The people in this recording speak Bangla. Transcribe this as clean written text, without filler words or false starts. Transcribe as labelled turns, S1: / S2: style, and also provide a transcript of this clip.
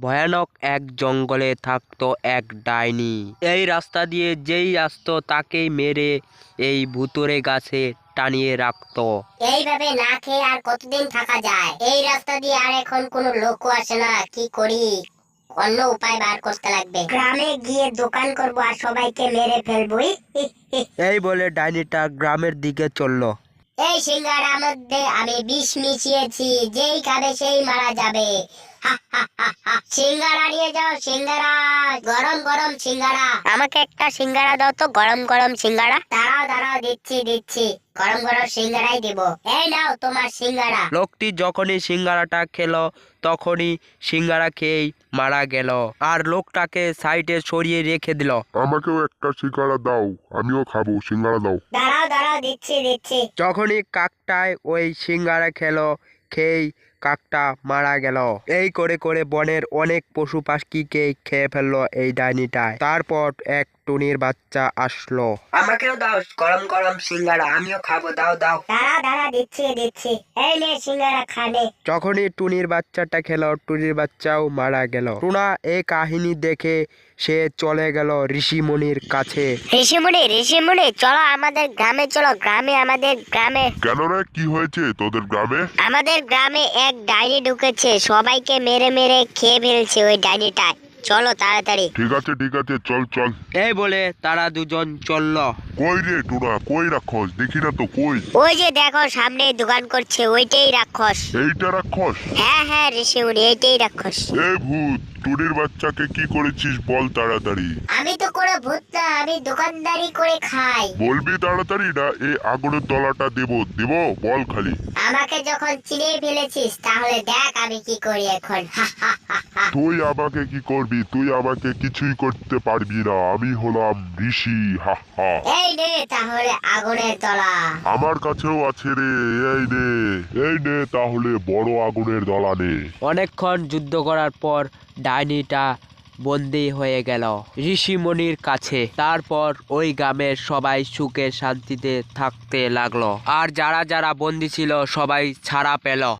S1: ভয়ানক এক জঙ্গলে থাকতো এক ডাইনি। এই রাস্তা দিয়ে যেই আসতো তাকেই মেরে এই ভুতুড়ে গাছে টানিয়ে রাখতো।
S2: এইভাবে না খেয়ে আর কতদিন থাকা যায়? এই রাস্তা দিয়ে আর এখন কোনো লোকও আসে না, কি করি? অন্য উপায় বার করতে লাগবে। গ্রামে গিয়ে দোকান করবো আর সবাইকে মেরে ফেলবো।
S1: এই বলে ডাইনিটা গ্রামের দিকে চলল।
S2: এই সিঙ্গাড়ার মধ্যে আমি বিষ মিশিয়েছি, যেই খাবে সেই মারা যাবে। সিঙ্গাড়া নিয়ে যাও, সিঙ্গাড়া, গরম গরম সিঙ্গাড়া। আমাকে একটা সিঙ্গাড়া দাও তো, গরম গরম সিঙ্গাড়া। দাঁড়াও দাঁড়াও, দিচ্ছি দিচ্ছি, গরম গরম সিঙ্গাড়াই দিব। এই নাও তোমার সিঙ্গাড়া।
S1: লোকটি যখনই সিঙ্গারাটা খেলো তখনই সিঙ্গারা খেয়েই মারা গেল আর লোকটাকে সাইডে সরিয়ে রেখে দিল।
S3: আমাকেও একটা সিঙ্গাড়া দাও, আমিও খাবো, সিঙ্গাড়া দাও।
S2: দাঁড়াও দাঁড়াও, দিচ্ছি দিচ্ছি।
S1: যখনই কাকটায় ওই সিঙ্গারা খেলো, খেয়েই কাকটা মারা গেল। এই করে করে বনের অনেক পশু পাখিকে খেয়ে ফেললো এই ডাইনিটায়। তারপর এক টুনির বাচ্চা আসলো। আমাকেও দাও গরম গরম সিঙ্গারা, আমিও খাবো, দাও দাও।
S2: দাঁড়া দাঁড়া, দিচ্ছি দিচ্ছি। এই নে সিঙ্গারা, খানে।
S1: যখনই টুনির বাচ্চাটা খেলো টুনির বাচ্চাও মারা গেল। টুনা এই কাহিনী দেখে সে চলে গেল ঋষিমুনির কাছে।
S2: ঋষিমুনি, চলো আমাদের গ্রামে চলো, আমাদের গ্রামে।
S3: কেন রে, কি হয়েছে তোদের গ্রামে?
S2: আমাদের গ্রামে এক ডাইনি ঢুকেছে, সবাইকে মেরে মেরে খেয়ে ফেলছে ওই ডাইনিটা। চলো তাড়াতাড়ি।
S3: ঠিক আছে চল চল।
S1: এই বলে তারা দুজন চলল।
S3: কই রে টুনা, কই রাক্ষস? দেখি না তো, কই?
S2: ওই যে দেখো সামনে দোকান করছে, ওইটাই রাক্ষস।
S3: এইটা রাক্ষস?
S2: হ্যাঁ ঋষিমুনি, এইটাই রাক্ষস।
S3: এ ভূত, টুনির বাচ্চাকে কি করেছিস বল তাড়াতাড়ি।
S2: আমি তো কোনো ভূত না, আমি দোকানদারি করে খাই।
S3: বলবি তাড়াতাড়ি না এই আগুনের তলাটা দেব বল খালি।
S2: আমাকে যখন চিনে ফেলেছিস তাহলে দেখ আমি কি করি এখন।
S3: তুই আমাকে কি করবি? তুই আমাকে কিছুই করতে পারবি না, আমি হলাম ঋষি। হা হা।
S2: এই নে তাহলে আগুনের তলা।
S3: আমার কাছেও আছে রে, এই নে তাহলে বড় আগুনের দলা নে।
S1: অনেকক্ষণ যুদ্ধ করার পর ডাইনিটা বন্দী হয়ে গেল ঋষিমুনির কাছে। তারপর ওই গ্রামের সবাই সুখে শান্তিতে থাকতে লাগলো আর যারা যারা বন্দী ছিল সবাই ছাড়া পেল।